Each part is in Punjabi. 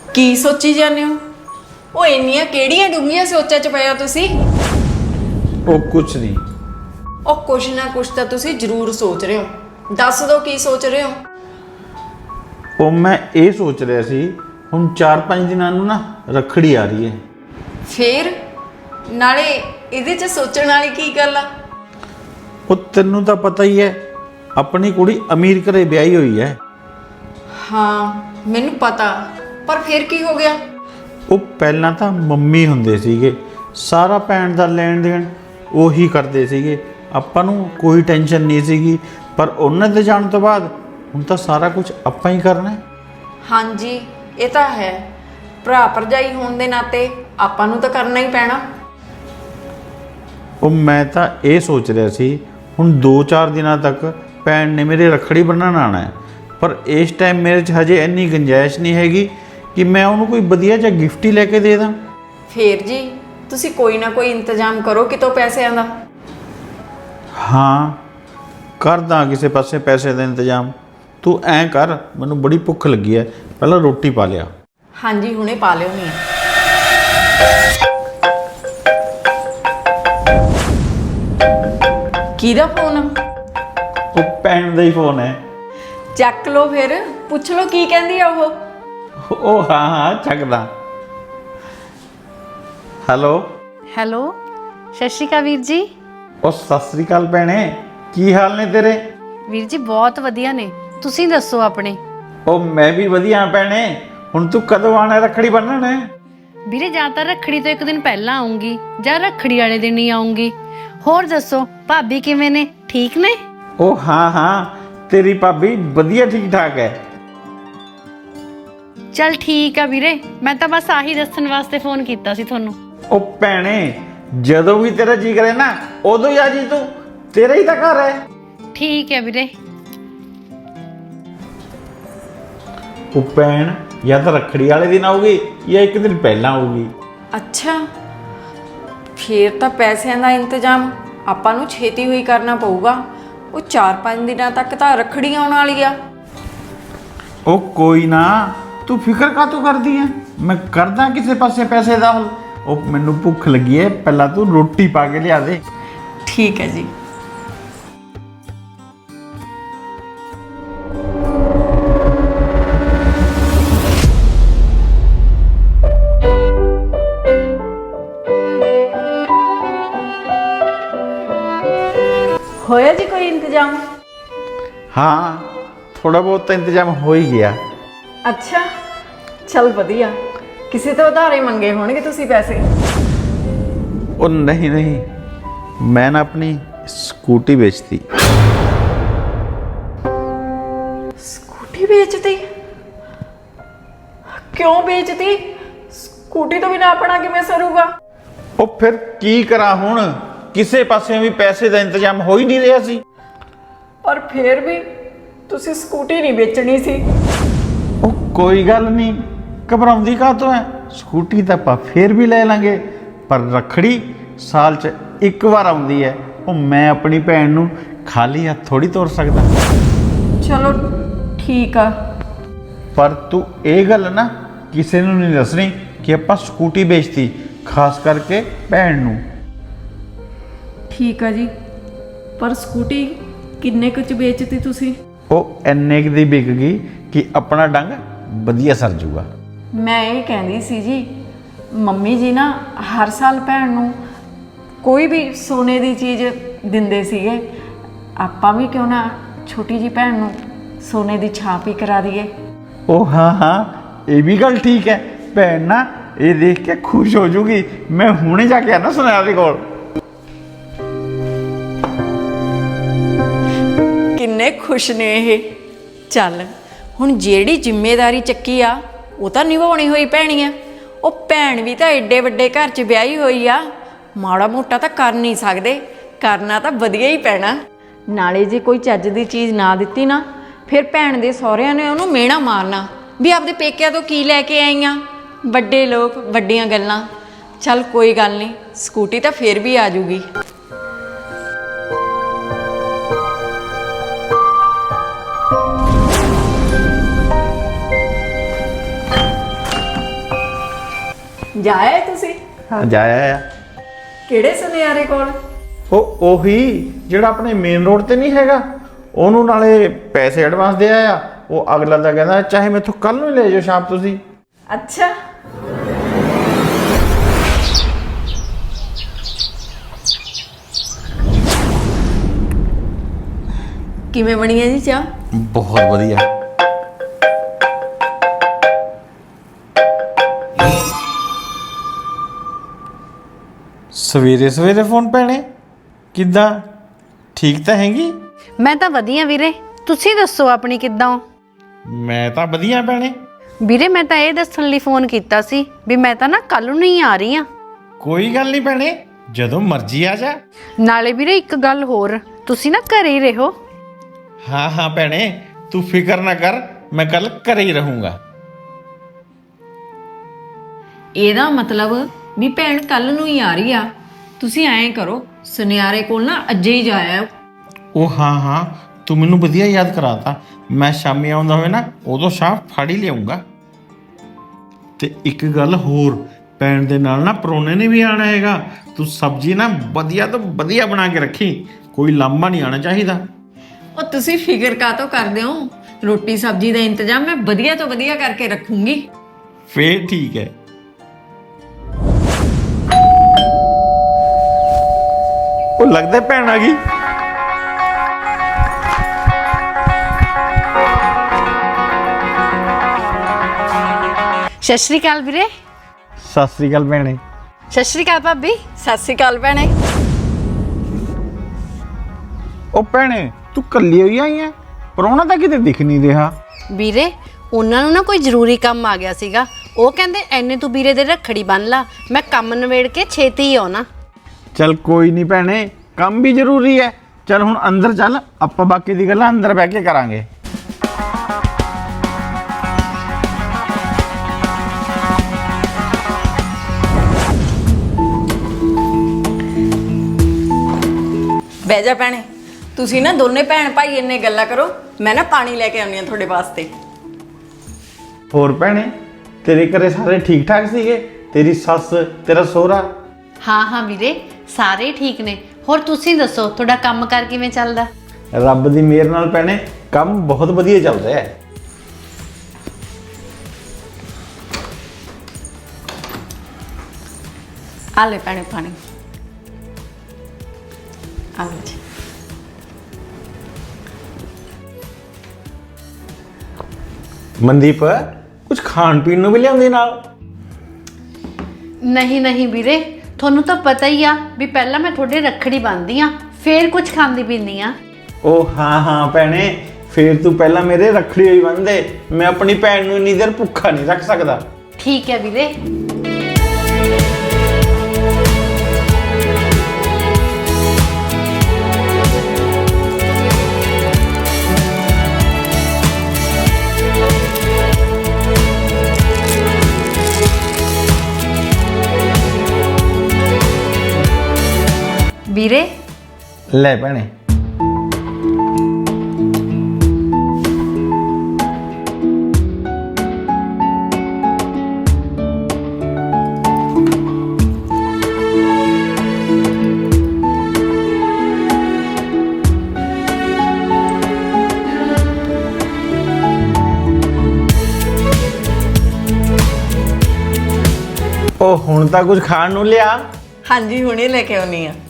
ਕੀ ਸੋਚੀ ਜਾਂਦੇ ਹੋ? ਉਹ ਇੰਨੀਆਂ ਕਿਹੜੀਆਂ ਡੂੰਘੀਆਂ ਸੋਚਾਂ 'ਚ ਪਏ ਹੋ ਤੁਸੀਂ? ਉਹ ਕੁਛ ਨਹੀਂ। ਉਹ ਕੁਛ ਨਾ ਕੁਛ ਤਾਂ ਤੁਸੀਂ ਜ਼ਰੂਰ ਸੋਚ ਰਹੇ ਹੋ। ਦੱਸ ਦਿਓ ਕੀ ਸੋਚ ਰਹੇ ਹੋ? ਉਹ ਮੈਂ ਇਹ ਸੋਚ ਰਿਹਾ ਸੀ, ਹੁਣ 4-5 ਦਿਨਾਂ ਨੂੰ ਨਾ ਰੱਖੜੀ ਆ ਰਹੀ ਹੈ। ਫੇਰ ਨਾਲੇ ਇਹਦੇ 'ਚ ਸੋਚਣ ਵਾਲੀ ਕੀ ਗੱਲ ਆ? ਉਹ ਤੈਨੂੰ ਤਾਂ ਪਤਾ ਹੀ ਹੈ, ਆਪਣੀ ਕੁੜੀ ਅਮੀਰ ਘਰੇ ਵਿਆਹੀ ਹੋਈ ਹੈ। ਹਾਂ ਮੈਨੂੰ ਪਤਾ, ਪਰ ਫਿਰ ਕੀ ਹੋ ਗਿਆ? ਉਹ ਪਹਿਲਾਂ ਤਾਂ ਮੰਮੀ ਹੁੰਦੇ ਸੀਗੇ, ਸਾਰਾ ਭੈਣ ਦਾ ਲੈਣ ਦੇਣ ਉਹੀ ਕਰਦੇ ਸੀਗੇ, ਆਪਾਂ ਨੂੰ ਕੋਈ ਟੈਨਸ਼ਨ ਨਹੀਂ ਸੀਗੀ। ਪਰ ਉਹਨਾਂ ਦੇ ਜਾਣ ਤੋਂ ਬਾਅਦ ਹੁਣ ਤਾਂ ਸਾਰਾ ਕੁਝ ਆਪਾਂ ਹੀ ਕਰਨਾ ਹੈ। ਹਾਂਜੀ ਇਹ ਤਾਂ ਹੈ, ਭਰਾ ਭਰਜਾਈ ਹੋਣ ਦੇ ਨਾਤੇ ਆਪਾਂ ਨੂੰ ਤਾਂ ਕਰਨਾ ਹੀ ਪੈਣਾ। ਉਹ ਮੈਂ ਤਾਂ ਇਹ ਸੋਚ ਰਿਹਾ ਸੀ, ਹੁਣ 2-4 ਦਿਨਾਂ ਤੱਕ ਭੈਣ ਨੇ ਮੇਰੇ ਰੱਖੜੀ ਬੰਨ੍ਹਣ ਆਉਣਾ ਹੈ, ਪਰ ਇਸ ਟਾਈਮ ਮੇਰੇ 'ਚ ਹਜੇ ਇੰਨੀ ਗੁੰਜਾਇਸ਼ ਨਹੀਂ ਹੈਗੀ ਕਿ ਮੈਂ ਉਹਨੂੰ ਕੋਈ ਵਧੀਆ ਜਿਹਾ ਗਿਫਟ ਹੀ ਲੈ ਕੇ ਦੇ ਦਾਂ। ਫੇਰ ਜੀ ਤੁਸੀਂ ਕੋਈ ਨਾ ਕੋਈ ਇੰਤਜ਼ਾਮ ਕਰੋ ਕਿਤੋਂ ਪੈਸਿਆਂ ਦਾ। ਹਾਂ ਕਰਦਾ ਕਿਸੇ ਪਾਸੇ ਪੈਸੇ ਦਾ ਇੰਤਜ਼ਾਮ। ਤੂੰ ਐਂ ਕਰ, ਮੈਨੂੰ ਬੜੀ ਭੁੱਖ ਲੱਗੀ ਹੈ, ਪਹਿਲਾਂ ਰੋਟੀ ਪਾ ਲਿਆ। ਹਾਂਜੀ ਹੁਣੇ ਪਾ ਲਿਓ ਨਹੀਂ। ਕਿਹਦਾ ਫੋਨ ਆ? ਉਹ ਭੈਣ ਦਾ ਹੀ ਫੋਨ ਹੈ। ਚੱਕ ਲਓ ਫਿਰ, ਪੁੱਛ ਲਓ ਕੀ ਕਹਿੰਦੀ ਆ ਉਹ। ਉਹ ਹਾਂ ਚੱਕਦਾ। ਹੈਲੋ। ਹੈਲੋ, ਸਤਿ ਸ਼੍ਰੀ ਅਕਾਲ ਵੀਰ ਜੀ। ਉਹ ਸਤਿ ਸ੍ਰੀ ਅਕਾਲ ਭੈਣੇ, ਕੀ ਹਾਲ ਨੇ ਤੇਰੇ? ਵੀਰ ਜੀ ਬਹੁਤ ਵਧੀਆ ਨੇ, ਤੁਸੀਂ ਦੱਸੋ ਆਪਣੇ। ਉਹ ਮੈਂ ਵੀ ਵਧੀਆ ਭੈਣੇ। ਹੁਣ ਤੂੰ ਕਦੋਂ ਆਣਾ ਰੱਖੜੀ ਬੰਨ੍ਹਣ? ਵੀਰੇ ਜਾਂ ਤਾਂ ਰੱਖੜੀ ਤੋਂ ਇੱਕ ਦਿਨ ਪਹਿਲਾਂ ਆਉਂਗੀ ਜਾਂ ਰੱਖੜੀ ਵਾਲੇ ਦਿਨ ਹੀ ਆਉਂਗੀ। ਹੋਰ ਦੱਸੋ ਭਾਬੀ ਕਿਵੇਂ ਨੇ, ਠੀਕ ਨੇ? ਉਹ ਹਾਂ ਹਾਂ, ਤੇਰੀ ਭਾਬੀ ਵਧੀਆ ਠੀਕ ਠਾਕ ਹੈ। ਚਲ ਠੀਕ ਆ ਵੀਰੇ, ਮੈਂ ਤਾਂ ਬਸ ਆਹੀ ਦੱਸਣ ਵਾਸਤੇ ਫੋਨ ਕੀਤਾ ਸੀ ਤੁਹਾਨੂੰ। ਉਹ ਭੈਣੇ ਜਦੋਂ ਵੀ ਤੇਰਾ ਜੀ ਕਰੇ ਨਾ ਉਦੋਂ ਹੀ ਆ ਜੀ, ਤੂੰ ਤੇਰਾ ਹੀ ਤਾਂ ਘਰ ਹੈ। ਠੀਕ ਹੈ ਵੀਰੇ। ਉਹ ਭੈਣ ਜਾਂ ਤਾਂ ਰੱਖੜੀ ਵਾਲੇ ਦਿਨ ਆਊਗੀ ਜਾਂ ਇੱਕ ਦਿਨ ਪਹਿਲਾਂ ਆਊਗੀ। ਅੱਛਾ ਫੇਰ ਤਾਂ ਪੈਸਿਆਂ ਦਾ ਇੰਤਜ਼ਾਮ ਆਪਾਂ ਨੂੰ ਛੇਤੀ ਹੋਈ ਕਰਨਾ ਪਊਗਾ। ਉਹ 4-5 ਦਿਨਾਂ ਤੱਕ ਤਾਂ ਰੱਖੜੀ ਆਉਣ ਵਾਲੀ ਆ। ਉਹ ਕੋਈ ਨਾ, ਤੂੰ ਫਿਕਰ ਕਾਹਤੋਂ ਕਰਦੀ ਹੈ, ਮੈਂ ਕਰਦਾ ਕਿਸੇ ਪਾਸੇ ਪੈਸੇ ਦਾ ਹੱਲ। ਉਹ ਮੈਨੂੰ ਭੁੱਖ ਲੱਗੀ ਹੈ, ਪਹਿਲਾਂ ਤੂੰ ਰੋਟੀ ਪਾ ਕੇ ਲਿਆ ਦੇ। ਠੀਕ ਹੈ ਜੀ। ਹੋਇਆ ਜੀ ਕੋਈ ਇੰਤਜ਼ਾਮ? ਹਾਂ ਥੋੜਾ ਬਹੁਤ ਤਾਂ ਇੰਤਜ਼ਾਮ ਹੋ ਹੀ ਗਿਆ। ਅੱਛਾ ਚਲ ਵਧੀਆ। ਕਿਸੇ ਤੋਂ ਉਧਾਰੇ ਮੰਗੇ ਹੋਣਗੇ ਤੁਸੀਂ ਪੈਸੇ? ਉਹ ਨਹੀਂ ਨਹੀਂ, ਮੈਂ ਨਾ ਆਪਣੀ ਸਕੂਟੀ ਵੇਚਤੀ। ਸਕੂਟੀ ਵੇਚਤੀ? ਕਿਉਂ ਵੇਚਤੀ? ਸਕੂਟੀ ਤੋਂ ਬਿਨਾਂ ਆਪਣਾ ਕਿਵੇਂ ਸਰੂਗਾ? ਉਹ ਫਿਰ ਕੀ ਕਰਾਂ ਹੁਣ, ਕਿਸੇ ਪਾਸੇ ਵੀ ਪੈਸੇ ਦਾ ਇੰਤਜ਼ਾਮ ਹੋ ਹੀ ਨਹੀਂ ਰਿਹਾ ਸੀ। ਪਰ ਫੇਰ ਵੀ ਤੁਸੀਂ ਸਕੂਟੀ ਨਹੀਂ ਵੇਚਣੀ ਸੀ। ਉਹ ਕੋਈ ਗੱਲ ਨਹੀਂ, ਘਬਰਾਉਂਦੀ ਕਾਹਤੋਂ ਹੈ, ਸਕੂਟੀ ਤਾਂ ਆਪਾਂ ਫੇਰ ਵੀ ਲੈ ਲਾਂਗੇ। ਪਰ ਰੱਖੜੀ ਸਾਲ 'ਚ ਇੱਕ ਵਾਰ ਆਉਂਦੀ ਹੈ, ਉਹ ਮੈਂ ਆਪਣੀ ਭੈਣ ਨੂੰ ਖਾਲੀ ਹੱਥ ਥੋੜੀ ਤੋਰ ਸਕਦਾ। ਚਲੋ ਠੀਕ ਆ। ਪਰ ਤੂੰ ਇਹ ਗੱਲ ਨਾ ਕਿਸੇ ਨੂੰ ਨਹੀਂ ਦੱਸਣੀ ਕਿ ਆਪਾਂ ਸਕੂਟੀ ਵੇਚਤੀ, ਖਾਸ ਕਰਕੇ ਭੈਣ ਨੂੰ। ਠੀਕ ਆ ਜੀ, ਪਰ ਸਕੂਟੀ ਕਿੰਨੇ ਕੁ ਚ ਵੇਚਤੀ ਤੁਸੀਂ? ਉਹ ਇੰਨੇ ਕੁ ਦੀ ਵਿਕ ਗਈ ਕਿ ਆਪਣਾ ਡੰਗ ਵਧੀਆ ਸਰ ਜੂਗਾ। ਮੈਂ ਇਹ ਕਹਿੰਦੀ ਸੀ ਜੀ, ਮੰਮੀ ਜੀ ਨਾ ਹਰ ਸਾਲ ਭੈਣ ਨੂੰ ਕੋਈ ਵੀ ਸੋਨੇ ਦੀ ਚੀਜ਼ ਦਿੰਦੇ ਸੀਗੇ, ਆਪਾਂ ਵੀ ਕਿਉਂ ਨਾ ਛੋਟੀ ਜੀ ਭੈਣ ਨੂੰ ਸੋਨੇ ਦੀ ਛਾਪ ਹੀ ਕਰਾ ਦਈਏ। ਉਹ ਹਾਂ ਹਾਂ, ਇਹ ਵੀ ਗੱਲ ਠੀਕ ਹੈ। ਭੈਣ ਨਾ ਇਹ ਦੇਖ ਕੇ ਖੁਸ਼ ਹੋ ਜੂਗੀ। ਮੈਂ ਹੁਣੇ ਜਾ ਕੇ ਆਣਾ ਸੁਨਿਆਰ ਦੇ ਕੋਲ। ਕਿੰਨੇ ਖੁਸ਼ ਨੇ ਇਹ। ਚੱਲ ਹੁਣ ਜਿਹੜੀ ਜ਼ਿੰਮੇਵਾਰੀ ਚੱਕੀ ਆ ਉਹ ਤਾਂ ਨਿਭਾਉਣੀ ਹੋਈ ਪੈਣੀ ਆ। ਉਹ ਭੈਣ ਵੀ ਤਾਂ ਐਡੇ ਵੱਡੇ ਘਰ 'ਚ ਵਿਆਹੀ ਹੋਈ ਆ, ਮਾੜਾ ਮੋਟਾ ਤਾਂ ਕਰ ਨਹੀਂ ਸਕਦੇ, ਕਰਨਾ ਤਾਂ ਵਧੀਆ ਹੀ ਪੈਣਾ। ਨਾਲੇ ਜੇ ਕੋਈ ਚੱਜ ਦੀ ਚੀਜ਼ ਨਾ ਦਿੱਤੀ ਨਾ, ਫਿਰ ਭੈਣ ਦੇ ਸਹੁਰਿਆਂ ਨੇ ਉਹਨੂੰ ਮਿਹਣਾ ਮਾਰਨਾ ਵੀ ਆਪਦੇ ਪੇਕਿਆਂ ਤੋਂ ਕੀ ਲੈ ਕੇ ਆਈਆਂ, ਵੱਡੇ ਲੋਕ ਵੱਡੀਆਂ ਗੱਲਾਂ। ਚੱਲ ਕੋਈ ਗੱਲ ਨਹੀਂ, ਸਕੂਟੀ ਤਾਂ ਫਿਰ ਵੀ ਆ ਜੂਗੀ। ਜਾਏ ਤੁਸੀਂ ਹਾਂ ਜਾਇਆ ਆ। ਕਿਹੜੇ ਸੁਨਿਆਰੇ ਕੋਲ? ਉਹੀ ਜਿਹੜਾ ਆਪਣੇ ਮੇਨ ਰੋਡ ਤੇ ਨਹੀਂ ਹੈਗਾ, ਉਹਨੂੰ ਨਾਲੇ ਪੈਸੇ ਐਡਵਾਂਸ ਦੇ ਆਇਆ। ਉਹ ਅਗਲਾ ਤਾਂ ਕਹਿੰਦਾ ਚਾਹੇ ਮੈਥੋਂ ਕੱਲ ਨੂੰ ਹੀ ਲੈ ਜਾਓ ਸ਼ਾਮ ਤੁਸੀਂ। ਅੱਛਾ, ਕਿਵੇਂ ਬਣੀ ਹੈ ਜੀ ਚਾਹ? ਬਹੁਤ ਵਧੀਆ। ਸਵੇਰੇ ਸਵੇਰੇ ਫੋਨ ਭੈਣੇ, ਕਿੱਦਾਂ? ਠੀਕ ਤਾਂ ਹੈਗੀ? ਮੈਂ ਤਾਂ ਵਧੀਆ ਵੀਰੇ, ਤੁਸੀਂ ਦੱਸੋ ਆਪਣੀ ਕਿੱਦਾਂ ਹੋ? ਮੈਂ ਤਾਂ ਵਧੀਆ ਭੈਣੇ। ਵੀਰੇ ਮੈਂ ਤਾਂ ਇਹ ਦੱਸਣ ਲਈ ਫੋਨ ਕੀਤਾ ਸੀ ਵੀ ਮੈਂ ਤਾਂ ਨਾ ਕੱਲ ਨੂੰ ਹੀ ਆ ਰਹੀ ਆ। ਕੋਈ ਗੱਲ ਨਹੀਂ ਭੈਣੇ, ਜਦੋਂ ਮਰਜ਼ੀ ਆ ਜਾ। ਨਾਲੇ ਵੀਰੇ ਇੱਕ ਗੱਲ ਹੋਰ, ਤੁਸੀਂ ਨਾ ਘਰੇ ਹੀ ਰਹੋ। ਹਾਂ ਹਾਂ ਭੈਣੇ, ਤੂੰ ਫਿਕਰ ਨਾ ਕਰ, ਮੈਂ ਕੱਲ ਘਰੇ ਹੀ ਰਹੂੰਗਾ। ਇਹਦਾ ਮਤਲਬ ਵੀ ਭੈਣ ਕੱਲ ਨੂੰ ਹੀ ਆ ਰਹੀ ਆ। ਤੁਸੀਂ ਐਂ ਕਰੋ, ਸੁਨਿਆਰੇ ਕੋਲ ਨਾ ਅੱਜੇ ਹੀ ਜਾਇਆ। ਉਹ ਹਾਂ ਹਾਂ, ਤੂੰ ਮੈਨੂੰ ਵਧੀਆ ਯਾਦ ਕਰਾਤਾ। ਮੈਂ ਸ਼ਾਮੀ ਆਉਂਦਾ ਹੋਵੇ ਨਾ, ਉਦੋਂ ਸ਼ਾਮ ਫੜ ਹੀ ਲਿਆਉਂਗਾ। ਤੇ ਇੱਕ ਗੱਲ ਹੋਰ, ਭੈਣ ਦੇ ਨਾਲ ਨਾ ਪਰੋਣੇ ਨੇ ਵੀ ਆਣਾ ਹੈਗਾ। ਤੂੰ ਸਬਜ਼ੀ ਨਾ ਵਧੀਆ ਤੋਂ ਵਧੀਆ ਬਣਾ ਕੇ ਰੱਖੀ, ਕੋਈ ਲਾਂਭਾ ਨਹੀਂ ਆਣਾ ਚਾਹੀਦਾ। ਉਹ ਤੁਸੀਂ ਫਿਕਰ ਕਾਹਤੋਂ ਕਰਦੇ ਹੋ? ਰੋਟੀ ਸਬਜ਼ੀ ਦਾ ਇੰਤਜ਼ਾਮ ਮੈਂ ਵਧੀਆ ਤੋਂ ਵਧੀਆ ਕਰਕੇ ਰੱਖੂੰਗੀ। ਫੇਰ ਠੀਕ ਹੈ। ਉਹ ਲੱਗਦਾ ਭੈਣ ਆ ਗਈ। ਸਤਿ ਸ਼੍ਰੀ ਅਕਾਲ ਵੀਰੇ। ਸਤਿ ਸ੍ਰੀ ਅਕਾਲ ਭੈਣੇ। ਸਤਿ ਸ਼੍ਰੀ ਅਕਾਲ ਭਾਬੀ। ਸਤਿ ਸ਼੍ਰੀ ਅਕਾਲ ਭੈਣੇ। ਉਹ ਭੈਣੇ, ਤੂੰ ਕੱਲੀ ਹੋਈ ਆਈ ਐ? ਪਰੋਣਾ ਤਾਂ ਕਿਤੇ ਦਿਖ ਨਹੀਂ ਰਿਹਾ। ਵੀਰੇ ਉਹਨਾਂ ਨੂੰ ਨਾ ਕੋਈ ਜ਼ਰੂਰੀ ਕੰਮ ਆ ਗਿਆ ਸੀਗਾ, ਉਹ ਕਹਿੰਦੇ ਐਨੇ ਤੂੰ ਵੀਰੇ ਦੇ ਰੱਖੜੀ ਬੰਨ ਲਾ, ਮੈਂ ਕੰਮ ਨਵੇੜ ਕੇ ਛੇਤੀ ਹੀ ਆਉਣਾ। ਚੱਲ ਕੋਈ ਨਹੀਂ ਭੈਣੇ, ਕੰਮ ਵੀ ਜ਼ਰੂਰੀ ਹੈ। ਚੱਲ ਹੁਣ ਅੰਦਰ ਚੱਲ, ਆਪਾਂ ਬਾਕੀ ਦੀ ਗੱਲਾਂ ਅੰਦਰ ਬਹਿ ਕੇ ਕਰਾਂਗੇ। ਬਹਿ ਜਾ ਭੈਣੇ। ਤੁਸੀਂ ਨਾ ਦੋਨੇ ਭੈਣ ਭਾਈ ਇੰਨੇ ਗੱਲਾਂ ਕਰੋ, ਮੈਂ ਨਾ ਪਾਣੀ ਲੈ ਕੇ ਆਉਣੀ ਆ ਤੁਹਾਡੇ ਵਾਸਤੇ। ਹੋਰ ਭੈਣੇ, ਤੇਰੇ ਘਰੇ ਸਾਰੇ ਠੀਕ ਠਾਕ ਸੀਗੇ? ਤੇਰੀ ਸੱਸ, ਤੇਰਾ ਸਹੁਰਾ? ਹਾਂ ਹਾਂ ਵੀਰੇ, ਸਾਰੇ ਠੀਕ ਨੇ। ਹੋਰ ਤੁਸੀਂ ਦੱਸੋ, ਤੁਹਾਡਾ ਕੰਮ ਕਾਰ ਕਿਵੇਂ ਚੱਲਦਾ? ਰੱਬ ਦੀ ਮਿਹਰ ਨਾਲ ਭੈਣੇ ਕੰਮ ਬਹੁਤ ਵਧੀਆ ਚੱਲ ਰਿਹਾ ਹੈ। ਆ ਲੈ ਭੈਣੇ ਪਾਣੀ। ਆ ਲੈ ਜੀ। ਮਨਦੀਪ, ਕੁਝ ਖਾਣ ਪੀਣ ਨੂੰ ਵੀ ਲਿਆਉਂਦੀ ਨਾਲ? ਨਹੀਂ ਨਹੀਂ ਵੀਰੇ, ਤੁਹਾਨੂੰ ਤਾਂ ਪਤਾ ਹੀ ਆ ਵੀ ਪਹਿਲਾਂ ਮੈਂ ਤੁਹਾਡੇ ਰੱਖੜੀ ਬੰਨ੍ਹਦੀ ਆ, ਫੇਰ ਕੁਝ ਖਾਂਦੀ ਪੀਂਦੀ ਆ। ਉਹ ਹਾਂ ਹਾਂ ਭੈਣੇ, ਫੇਰ ਤੂੰ ਪਹਿਲਾਂ ਮੇਰੇ ਰੱਖੜੀ ਹੋਈ ਬੰਨ੍ਹਦੇ। ਮੈਂ ਆਪਣੀ ਭੈਣ ਨੂੰ ਇੰਨੀ ਦੇਰ ਭੁੱਖਾ ਨਹੀਂ ਰੱਖ ਸਕਦਾ। ਠੀਕ ਹੈ ਵੀਰੇ। ਵੀਰੇ ਲੈ ਭੈਣੇ। ਉਹ ਹੁਣ ਤਾਂ ਕੁਝ ਖਾਣ ਨੂੰ ਲਿਆ। ਹਾਂਜੀ, ਹੁਣੇ ਲੈ ਕੇ ਆਉਣੀ ਆ।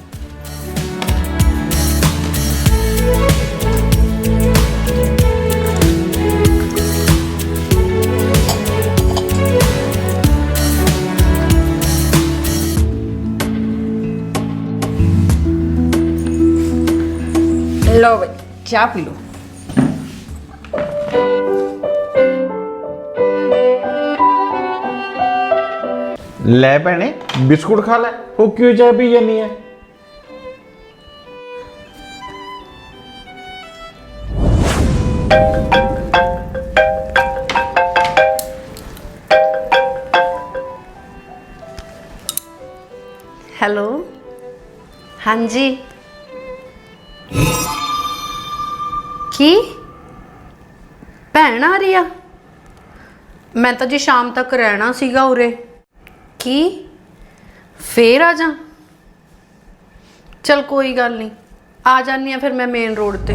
लो भाई, चाय पी लो। ਲੈ ਭੈਣੇ, ਬਿਸਕੁਟ ਖਾ ਲੈ। ਉਹ ਕਿਉਂ ਚਾਹ ਪੀ ਜਾਨੀ ਹੈ? ਹੈਲੋ, ਹਾਂਜੀ। ਕੀ ਭੈਣ ਆ ਰਹੀ ਆ? ਮੈਂ ਤਾਂ ਜੀ ਸ਼ਾਮ ਤੱਕ ਰਹਿਣਾ ਸੀਗਾ ਉਰੇ। ਕੀ ਫੇਰ ਆ ਜਾ? ਚਲ ਕੋਈ ਗੱਲ ਨਹੀਂ, ਆ ਜਾਨੀ ਆ ਫਿਰ ਮੈਂ ਮੇਨ ਰੋਡ ਤੇ।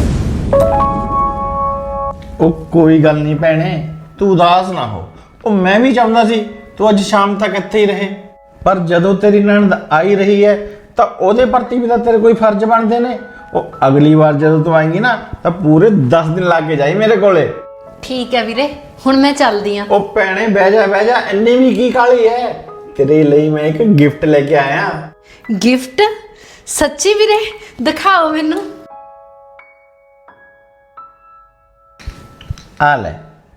ਉਹ ਕੋਈ ਗੱਲ ਨਹੀਂ ਭੈਣੇ, ਤੂੰ ਉਦਾਸ ਨਾ ਹੋ। ਉਹ ਮੈਂ ਵੀ ਚਾਹੁੰਦਾ ਸੀ ਤੂੰ ਅੱਜ ਸ਼ਾਮ ਤੱਕ ਇੱਥੇ ਹੀ ਰਹੇ, ਪਰ ਜਦੋਂ ਤੇਰੀ ਨਣਦ ਆਈ ਰਹੀ ਹੈ ਤਾਂ ਉਹਦੇ ਪ੍ਰਤੀ ਵੀ ਤਾਂ ਤੇਰੇ ਕੋਈ ਫਰਜ਼ ਬਣਦੇ ਨੇ। ਉਹ ਅਗਲੀ ਵਾਰ ਜਦੋਂ ਤੂੰ ਆਏਂਗੀ ਨਾ ਤਾਂ ਪੂਰੇ 10 ਦਿਨ ਲਾ ਕੇ ਜਾਈ ਮੇਰੇ ਕੋਲੇ। ਠੀਕ ਹੈ ਵੀਰੇ, ਹੁਣ ਮੈਂ ਚੱਲਦੀ ਆ। ਉਹ ਭੈਣੇ ਬਹਿ ਜਾ, ਇੰਨੀ ਵੀ ਕੀ ਕਾਹਲੀ ਹੈ। ਤੇਰੇ ਲਈ ਮੈਂ ਇੱਕ ਗਿਫਟ ਲੈ ਕੇ ਆਇਆ। ਗਿਫਟ? ਸੱਚੀ ਵੀਰੇ? ਦਿਖਾਓ ਮੈਨੂੰ। ਆ ਲੈ।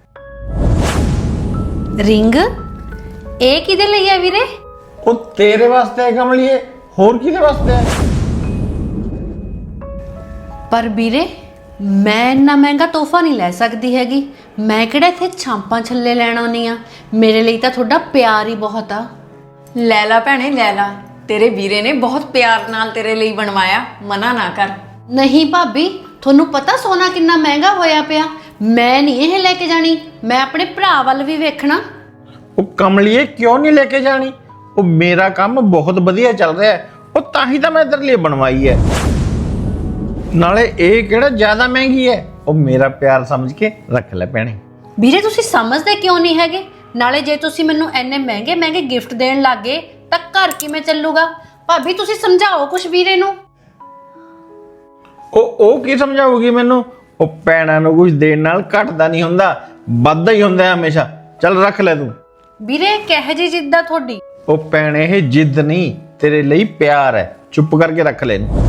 ਰਿੰਗ? ਇਹ ਕਿਹਦੇ ਲਈ ਹੈ ਵੀਰੇ? ਉਹ ਤੇਰੇ ਵਾਸਤੇ ਹੈ ਕਮਲੀਏ, ਹੋਰ ਕਿਹਦੇ ਵਾਸਤੇ ਹੈ? ਪਰ ਵੀਰੇ ਮੈਂ ਇੰਨਾ ਮਹਿੰਗਾ ਤੋਹਫਾ ਨਹੀਂ ਲੈ ਸਕਦੀ ਹੈਗੀ। ਮੈਂ ਕਿਹੜਾ ਇੱਥੇ ਛਾਂਪਾਂ ਛੱਲੇ ਲੈਣ ਆਉਣੀ ਆ। ਮੇਰੇ ਲਈ ਤਾਂ ਤੁਹਾਡਾ ਪਿਆਰ ਹੀ ਬਹੁਤ ਆ। ਲੈ ਲਾ ਭੈਣੇ ਲੈ ਲਾ, ਤੇਰੇ ਵੀਰੇ ਨੇ ਬਹੁਤ ਪਿਆਰ ਨਾਲ ਤੇਰੇ ਲਈ ਬਣਵਾਇਆ, ਮਨਾ ਨਾ ਕਰ। ਨਹੀਂ ਭਾਬੀ, ਤੁਹਾਨੂੰ ਪਤਾ ਸੋਨਾ ਕਿੰਨਾ ਮਹਿੰਗਾ ਹੋਇਆ ਪਿਆ। ਮੈਂ ਨਹੀਂ ਇਹ ਲੈ ਕੇ ਜਾਣੀ, ਮੈਂ ਆਪਣੇ ਭਰਾ ਵੱਲ ਵੀ ਵੇਖਣਾ। ਉਹ ਕਮਲੀਏ ਕਿਉਂ ਨਹੀਂ ਲੈ ਕੇ ਜਾਣੀ? ਉਹ ਮੇਰਾ ਕੰਮ ਬਹੁਤ ਵਧੀਆ ਚੱਲ ਰਿਹਾ ਹੈ, ਉਹ ਤਾਂ ਹੀ ਤਾਂ ਮੈਂ ਤੇਰੇ ਲਈ ਬਣਵਾਈ ਹੈ। ਨਾਲੇ ਇਹ ਕਿਹੜਾ ਜ਼ਿਆਦਾ ਮਹਿੰਗੀ ਹੈ। ਉਹ ਮੇਰਾ ਪਿਆਰ ਸਮਝ ਕੇ ਰੱਖ ਲੈ ਭੈਣੇ। ਵੀਰੇ ਤੁਸੀਂ ਸਮਝਦੇ ਕਿਉਂ ਨਹੀਂ ਹੈਗੇ? ਨਾਲੇ ਜੇ ਤੁਸੀਂ ਮੈਨੂੰ ਇੰਨੇ ਮਹਿੰਗੇ ਮਹਿੰਗੇ ਗਿਫਟ ਦੇਣ ਲੱਗੇ ਤਾਂ ਘਰ ਕਿਵੇਂ ਚੱਲੂਗਾ? ਭਾਬੀ ਤੁਸੀਂ ਸਮਝਾਓ ਕੁਛ ਵੀਰੇ ਨੂੰ। ਉਹ ਕੀ ਸਮਝਾਊਗੀ ਮੈਨੂੰ? ਉਹ ਭੈਣਾਂ ਨੂੰ ਕੁਝ ਦੇਣ ਨਾਲ ਘਟਦਾ ਨਹੀਂ ਹੁੰਦਾ, ਵੱਧਦਾ ਹੀ ਹੁੰਦਾ ਹਮੇਸ਼ਾ। ਚੱਲ ਰੱਖ ਲੈ ਤੂੰ। ਵੀਰੇ ਕਿਹੋ ਜਿਹੀ ਜਿੱਦ ਆ ਤੁਹਾਡੀ? ਉਹ ਭੈਣੇ ਇਹ ਜਿੱਦ ਨਹੀਂ, ਤੇਰੇ ਲਈ ਪਿਆਰ ਹੈ। ਚੁੱਪ ਕਰਕੇ ਰੱਖ ਲੈ ਇਹਨੂੰ।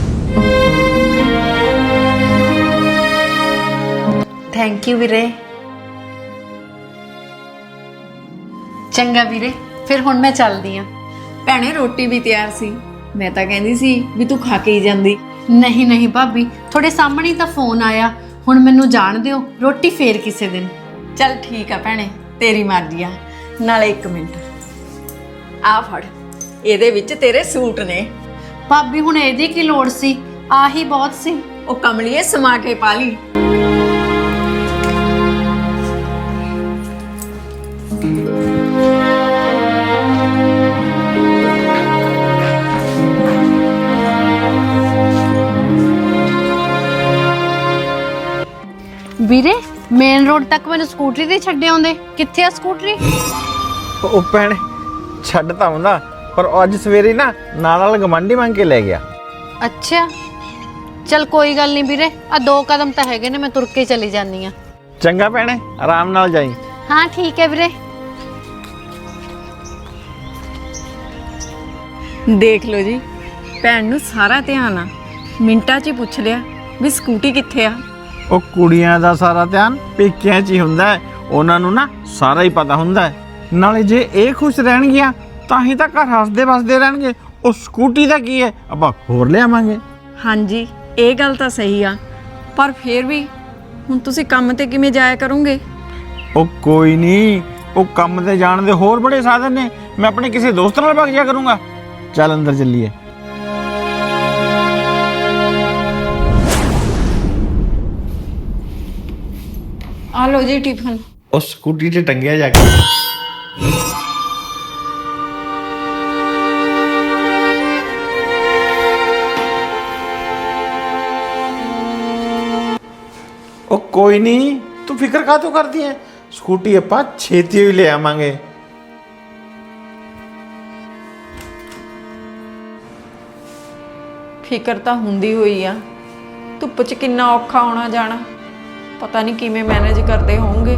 ਥੈਂਕ ਯੂ ਵੀਰੇ। ਚੰਗਾ ਵੀਰੇ, ਫਿਰ ਹੁਣ ਮੈਂ ਚੱਲਦੀ ਆ। ਭੈਣੇ ਰੋਟੀ ਵੀ ਤਿਆਰ ਸੀ, ਮੈਂ ਤਾਂ ਕਹਿੰਦੀ ਸੀ ਵੀ ਤੂੰ ਖਾ ਕੇ ਹੀ ਜਾਂਦੀ। ਨਹੀਂ ਨਹੀਂ ਭਾਬੀ, ਤੁਹਾਡੇ ਸਾਹਮਣੇ ਤਾਂ ਫੋਨ ਆਇਆ, ਹੁਣ ਮੈਨੂੰ ਜਾਣ ਦਿਓ, ਰੋਟੀ ਫੇਰ ਕਿਸੇ ਦਿਨ। ਚੱਲ ਠੀਕ ਆ ਭੈਣੇ, ਤੇਰੀ ਮਰਜ਼ੀ ਆ। ਨਾਲੇ ਇੱਕ ਮਿੰਟ, ਆ ਫੜ, ਇਹਦੇ ਵਿੱਚ ਤੇਰੇ ਸੂਟ ਨੇ। ਭਾਬੀ ਹੁਣ ਇਹਦੀ ਕੀ ਲੋੜ ਸੀ, ਆਹੀ ਬਹੁਤ ਸੀ। ਉਹ ਕਮਲੀਏ ਸਮਾ ਕੇ ਪਾ ਲਈ। ਵੀਰੇ ਮੇਨ ਰੋਡ ਤੱਕ ਮੈਨੂੰ ਸਕੂਟਰੀ ਤੇ ਛੱਡ ਆਉਂਦੇ। ਕਿੱਥੇ ਆ ਸਕੂਟਰੀ? ਉਹ ਭੈਣੇ ਛੱਡ ਤਾਂ ਆਉਂਦਾ, ਪਰ ਉਹ ਅੱਜ ਸਵੇਰੇ ਨਾ ਨਾਲ ਗਵਾਂਢੀ ਮੰਗ ਕੇ ਲੈ ਗਿਆ। ਅੱਛਾ ਚਲ ਕੋਈ ਗੱਲ ਨਹੀਂ ਵੀਰੇ, ਆ 2 ਕਦਮ ਤਾਂ ਹੈਗੇ ਨੇ, ਮੈਂ ਤੁਰ ਕੇ ਚਲੀ ਜਾਂਦੀ ਆ। ਚੰਗਾ ਭੈਣੇ, ਆਰਾਮ ਨਾਲ ਜਾਈ। ਹਾਂ ਠੀਕ ਹੈ ਵੀਰੇ। ਦੇਖ ਲਓ ਜੀ, ਭੈਣ ਨੂੰ ਸਾਰਾ ਧਿਆਨ ਆ, ਮਿੰਟਾਂ 'ਚ ਹੀ ਪੁੱਛ ਲਿਆ ਵੀ ਸਕੂਟੀ ਕਿੱਥੇ ਆ। ਉਹ ਕੁੜੀਆਂ ਦਾ ਸਾਰਾ ਧਿਆਨ ਪੇਕਿਆਂ 'ਚ ਹੀ ਹੁੰਦਾ ਹੈ, ਉਹਨਾਂ ਨੂੰ ਨਾ ਸਾਰਾ ਹੀ ਪਤਾ ਹੁੰਦਾ ਹੈ। ਨਾਲੇ ਜੇ ਇਹ ਖੁਸ਼ ਰਹਿਣਗੀਆਂ ਤਾਂ ਹੀ ਤਾਂ ਘਰ ਹੱਸਦੇ ਵਸਦੇ ਰਹਿਣਗੇ। ਉਹ ਸਕੂਟੀ ਦਾ ਕੀ ਹੈ, ਆਪਾਂ ਹੋਰ ਲਿਆਵਾਂਗੇ। ਹਾਂਜੀ ਇਹ ਗੱਲ ਤਾਂ ਸਹੀ ਆ, ਪਰ ਫਿਰ ਵੀ ਹੁਣ ਤੁਸੀਂ ਕੰਮ ਤੇ ਕਿਵੇਂ ਜਾਇਆ ਕਰੋਗੇ? ਉਹ ਕੋਈ ਨਹੀਂ, ਉਹ ਕੰਮ ਤੇ ਜਾਣ ਦੇ ਹੋਰ ਬੜੇ ਸਾਧਨ ਨੇ। ਮੈਂ ਆਪਣੇ ਕਿਸੇ ਦੋਸਤ ਨਾਲ ਭੱਜ ਜਾ ਕਰੂੰਗਾ। ਚੱਲ ਅੰਦਰ ਚੱਲੀਏ। ਆ ਲਓ ਜੀ ਟਿਫਨ। ਉਹ ਸਕੂਟੀ ਤੇ ਟੰਗਿਆ ਜਾ ਕੇ। ਉਹ ਕੋਈ ਨਹੀਂ, ਤੂੰ ਫਿਕਰ ਕਾਹਤੋਂ ਕਰਦੀ ਹੈ? ਸਕੂਟੀ ਆਪਾਂ ਛੇਤੀ ਹੀ ਲੈ ਆਵਾਂਗੇ। ਫਿਕਰ ਤਾਂ ਹੁੰਦੀ ਹੋਈ ਆ, ਧੁੱਪ 'ਚ ਕਿੰਨਾ ਔਖਾ ਆਉਣਾ ਜਾਣਾ, ਪਤਾ ਨਹੀਂ ਕਿਵੇਂ ਮੈਨੇਜ ਕਰਦੇ ਹੋਣਗੇ।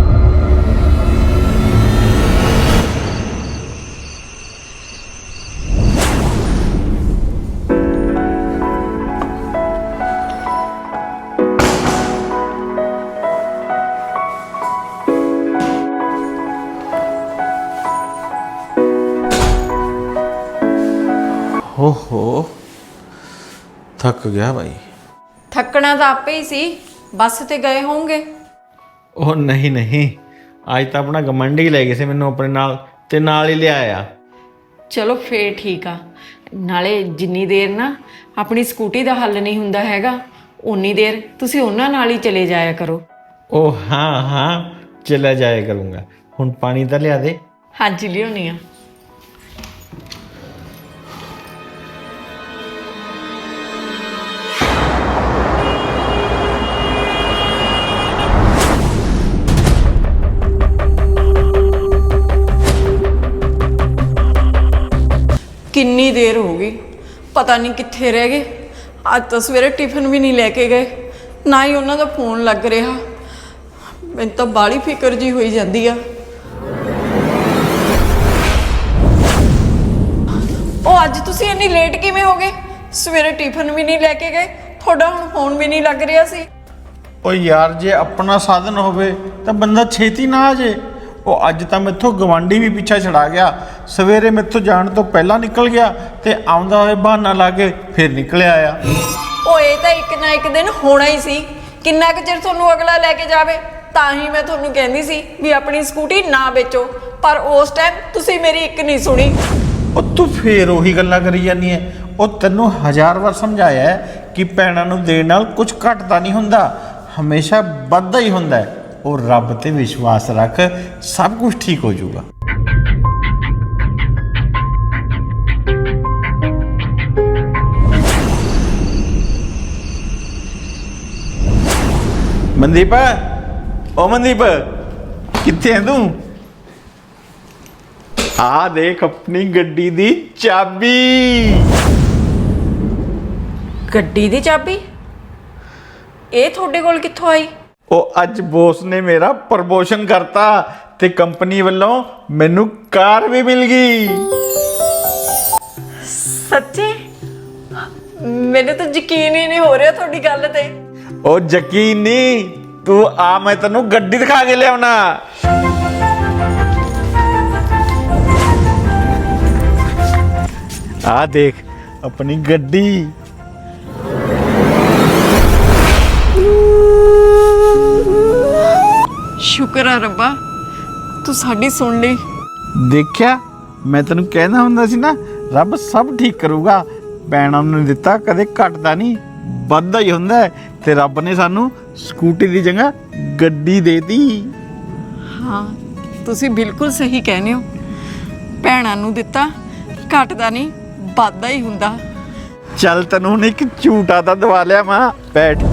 ਓਹੋ ਥੱਕ ਗਿਆ ਭਾਈ। ਥੱਕਣਾ ਤਾਂ ਆਪੇ ਹੀ ਸੀ, ਬੱਸ ਤੇ ਗਏ ਹੋਣਗੇ। ਉਹ ਨਹੀਂ, ਅੱਜ ਤਾਂ ਆਪਣਾ ਗਮੰਡੀ ਲੈ ਗਏ ਸੀ ਮੈਨੂੰ ਆਪਣੇ ਨਾਲ, ਤੇ ਨਾਲ ਹੀ ਲਿਆਇਆ। ਚਲੋ ਫੇਰ ਠੀਕ ਆ। ਨਾਲੇ ਜਿੰਨੀ ਦੇਰ ਨਾ ਆਪਣੀ ਸਕੂਟੀ ਦਾ ਹੱਲ ਨਹੀਂ ਹੁੰਦਾ ਹੈਗਾ, ਉਨੀ ਦੇਰ ਤੁਸੀਂ ਉਹਨਾਂ ਨਾਲ ਹੀ ਚਲੇ ਜਾਇਆ ਕਰੋ। ਉਹ ਹਾਂ ਚਲਾ ਜਾਇਆ ਕਰੂੰਗਾ। ਹੁਣ ਪਾਣੀ ਤਾਂ ਲਿਆ ਦੇ। ਹਾਂਜੀ ਲਿਆਉਣੀ ਆ। ਕਿੰਨੀ ਦੇਰ ਹੋ ਗਈ, ਪਤਾ ਨਹੀਂ ਕਿੱਥੇ ਰਹਿ ਗਏ। ਅੱਜ ਤਾਂ ਸਵੇਰੇ ਟਿਫਨ ਵੀ ਨਹੀਂ ਲੈ ਕੇ ਗਏ, ਨਾ ਹੀ ਉਹਨਾਂ ਦਾ ਫੋਨ ਲੱਗ ਰਿਹਾ। ਮੈਨੂੰ ਤਾਂ ਬਾਹਲੀ ਫਿਕਰ ਜੀ ਹੋਈ ਜਾਂਦੀ ਆ। ਉਹ ਅੱਜ ਤੁਸੀਂ ਇੰਨੀ ਲੇਟ ਕਿਵੇਂ ਹੋ ਗਏ? ਸਵੇਰੇ ਟਿਫਨ ਵੀ ਨਹੀਂ ਲੈ ਕੇ ਗਏ, ਤੁਹਾਡਾ ਹੁਣ ਫੋਨ ਵੀ ਨਹੀਂ ਲੱਗ ਰਿਹਾ ਸੀ। ਉਹ ਯਾਰ ਜੇ ਆਪਣਾ ਸਾਧਨ ਹੋਵੇ ਤਾਂ ਬੰਦਾ ਛੇਤੀ ਨਾ ਆ ਜੇ। ਉਹ ਅੱਜ ਤਾਂ ਮੈਥੋਂ ਗਵਾਂਢੀ ਵੀ ਪਿੱਛਾ ਛੜਾ ਗਿਆ। ਸਵੇਰੇ ਮੈਥੋਂ ਜਾਣ ਤੋਂ ਪਹਿਲਾਂ ਨਿਕਲ ਗਿਆ ਤੇ ਆਉਂਦਾ ਹੋਏ ਬਹਾਨਾ ਲਾ ਕੇ ਫਿਰ ਨਿਕਲਿਆ ਆ। ਉਹ ਇਹ ਤਾਂ ਇੱਕ ਨਾ ਇੱਕ ਦਿਨ ਹੋਣਾ ਹੀ ਸੀ। ਕਿੰਨਾ ਕੁ ਚਿਰ ਤੁਹਾਨੂੰ ਅਗਲਾ ਲੈ ਕੇ ਜਾਵੇ? ਤਾਂ ਹੀ ਮੈਂ ਤੁਹਾਨੂੰ ਕਹਿੰਦੀ ਸੀ ਵੀ ਆਪਣੀ ਸਕੂਟੀ ਨਾ ਵੇਚੋ, ਪਰ ਉਸ ਟਾਈਮ ਤੁਸੀਂ ਮੇਰੀ ਇੱਕ ਨਹੀਂ ਸੁਣੀ। ਉਹ ਤੂੰ ਫੇਰ ਉਹੀ ਗੱਲਾਂ ਕਰੀ ਜਾਂਦੀ ਐ। ਉਹ ਤੈਨੂੰ 1000 ਵਾਰ ਸਮਝਾਇਆ ਹੈ ਕਿ ਭੈਣਾਂ ਨੂੰ ਦੇਣ ਨਾਲ ਕੁਝ ਘਟਦਾ ਨਹੀਂ ਹੁੰਦਾ, ਹਮੇਸ਼ਾ ਵੱਧਦਾ ਹੀ ਹੁੰਦਾ ਹੈ। ਉਹ ਰੱਬ ਤੇ ਵਿਸ਼ਵਾਸ ਰੱਖ, ਸਭ ਕੁਝ ਠੀਕ ਹੋ ਜਾਊਗਾ। ਮਨਦੀਪ, ਓ ਮਨਦੀਪ, ਕਿੱਥੇ ਹੈ ਤੂੰ? ਆ ਦੇਖ ਆਪਣੀ ਗੱਡੀ ਦੀ ਚਾਬੀ। ਗੱਡੀ ਦੀ ਚਾਬੀ? ਇਹ ਤੁਹਾਡੇ ਕੋਲ ਕਿੱਥੋਂ ਆਈ? ਉਹ ਅੱਜ ਬੋਸ ਨੇ ਮੇਰਾ ਪ੍ਰਮੋਸ਼ਨ ਕਰਤਾ ਤੇ ਕੰਪਨੀ ਵੱਲੋਂ ਮੈਨੂੰ ਕਾਰ ਵੀ ਮਿਲ ਗਈ। ਸੱਚੀ? ਮੈਨੂੰ ਤਾਂ ਯਕੀਨ ਹੀ ਨਹੀਂ ਹੋ ਰਿਹਾ ਤੁਹਾਡੀ ਗੱਲ ਤੇ। ਉਹ ਯਕੀਨ ਨਹੀਂ, ਤੂੰ ਆ ਮੈਂ ਤੈਨੂੰ ਗੱਡੀ ਦਿਖਾ ਕੇ ਲਿਆਉਣਾ। ਆ ਦੇਖ ਆਪਣੀ ਗੱਡੀ। ਸ਼ੁਕਰ ਆ ਰੱਬਾ, ਤੂੰ ਸਾਡੀ ਸੁਣ ਲਈ। ਦੇਖਿਆ, ਮੈਂ ਤੈਨੂੰ ਕਹਿੰਦਾ ਹੁੰਦਾ ਸੀ ਨਾ, ਰੱਬ ਸਭ ਠੀਕ ਕਰੂਗਾ। ਭੈਣਾਂ ਨੂੰ ਦਿੱਤਾ ਕਦੇ ਘਟਦਾ ਨਹੀਂ, ਵੱਧਦਾ ਹੀ ਹੁੰਦਾ ਹੈ। ਤੇ ਰੱਬ ਨੇ ਸਾਨੂੰ ਸਕੂਟੀ ਦੀ ਜਗ੍ਹਾ ਗੱਡੀ ਦੇਤੀ। ਹਾਂ, ਤੁਸੀਂ ਬਿਲਕੁਲ ਸਹੀ ਕਹਿੰਦੇ ਹੋ। ਭੈਣਾਂ ਨੂੰ ਦਿੱਤਾ ਘਟਦਾ ਨਹੀਂ, ਵੱਧਦਾ ਹੀ ਹੁੰਦਾ। ਚੱਲ ਤੈਨੂੰ ਹੁਣ ਇੱਕ ਝੂਟਾ ਤਾਂ ਦਵਾ ਲਿਆ ਮਾਂ, ਬੈਠ।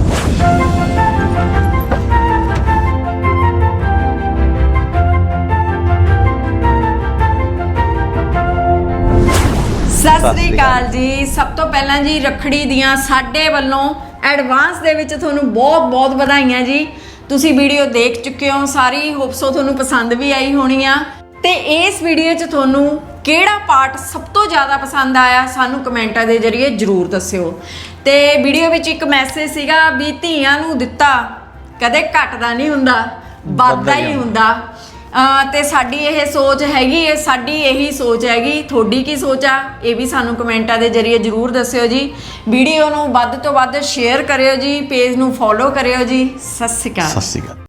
ਸਤਿ ਸ੍ਰੀ ਅਕਾਲ ਜੀ। ਸਭ ਤੋਂ ਪਹਿਲਾਂ ਜੀ ਰੱਖੜੀ ਦੀਆਂ ਸਾਡੇ ਵੱਲੋਂ ਐਡਵਾਂਸ ਦੇ ਵਿੱਚ ਤੁਹਾਨੂੰ ਬਹੁਤ ਬਹੁਤ ਵਧਾਈਆਂ ਜੀ। ਤੁਸੀਂ ਵੀਡੀਓ ਦੇਖ ਚੁੱਕੇ ਹੋ ਸਾਰੀ, ਹੋਪਸੋ ਤੁਹਾਨੂੰ ਪਸੰਦ ਵੀ ਆਈ ਹੋਣੀ ਆ। ਤੇ ਇਸ ਵੀਡੀਓ 'ਚ ਤੁਹਾਨੂੰ ਕਿਹੜਾ ਪਾਰਟ ਸਭ ਤੋਂ ਜ਼ਿਆਦਾ ਪਸੰਦ ਆਇਆ ਸਾਨੂੰ ਕਮੈਂਟਾਂ ਦੇ ਜ਼ਰੀਏ ਜ਼ਰੂਰ ਦੱਸਿਓ। ਤੇ ਵੀਡੀਓ ਵਿੱਚ ਇੱਕ ਮੈਸੇਜ ਸੀਗਾ ਵੀ ਧੀਆਂ ਨੂੰ ਦਿੱਤਾ ਕਦੇ ਘਟਦਾ ਨਹੀਂ ਹੁੰਦਾ, ਵੱਧਦਾ ਹੀ ਹੁੰਦਾ। ਤੇ ਸਾਡੀ ਇਹ ਸੋਚ ਹੈਗੀ ਹੈ, ਸਾਡੀ ਇਹੀ ਸੋਚ ਹੈਗੀ। ਤੁਹਾਡੀ ਕੀ ਸੋਚ ਆ ਇਹ ਵੀ ਸਾਨੂੰ ਕਮੈਂਟਾਂ ਦੇ ਜ਼ਰੀਏ ਜ਼ਰੂਰ ਦੱਸਿਓ ਜੀ। ਵੀਡੀਓ ਨੂੰ ਵੱਧ ਤੋਂ ਵੱਧ ਸ਼ੇਅਰ ਕਰਿਓ ਜੀ, ਪੇਜ ਨੂੰ ਫੋਲੋ ਕਰਿਓ ਜੀ। ਸਤਿ ਸ਼੍ਰੀ ਅਕਾਲ। ਸਤਿ ਸ਼੍ਰੀ ਅਕਾਲ।